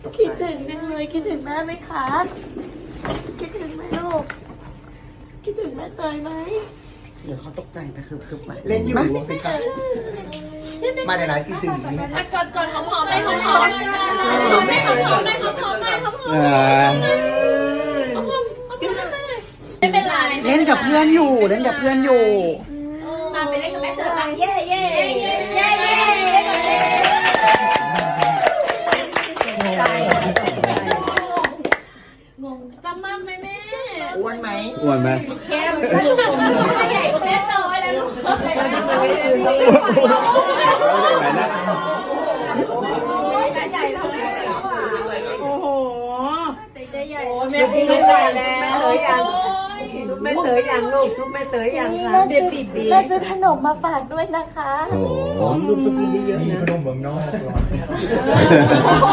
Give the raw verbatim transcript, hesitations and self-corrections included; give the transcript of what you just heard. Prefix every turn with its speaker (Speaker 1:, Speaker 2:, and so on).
Speaker 1: คิดถึงจังเลยคิดถึงแม่ไหมคะคิดถึงไหมลูกคิดถึงแม่เตยไหม
Speaker 2: เดี๋ยวเขาตกใจไปคือคือเล่นอยู่สิครับมาในร้านจริงๆ
Speaker 1: อ่ะกอดกอดหอมหอมเลยหอมหอมหอมเลยหอมหอมเลยหอมหอมเลยหอมหอมไม่เป็นไร
Speaker 2: เล่นกับเพื่อนอยู่เล่นกับเพื่อนอยู่
Speaker 1: มาไปเล่นกับแม่เตยมาเย่เย่เย่เย่เย่เย่งงจำมั่งไหมแม่
Speaker 2: อ้วนไหม
Speaker 3: อ้วนไหม
Speaker 1: แก้มใหญ่กว่าแม่เตยแล้วลูก
Speaker 4: โอ้โห
Speaker 1: ใจใหญ่
Speaker 4: แม่พี่ไม่ได้แล้วเตยยังลูกแม่เตยยังลูกลูกแม่เตยยังคะเด็กปีปี
Speaker 1: แม่ซื้อขนมมาฝากด้วยนะคะ
Speaker 3: โอ้โห
Speaker 2: รูปสกุลเยอะ
Speaker 5: มี
Speaker 2: นะ
Speaker 5: ขนมเมืองนอก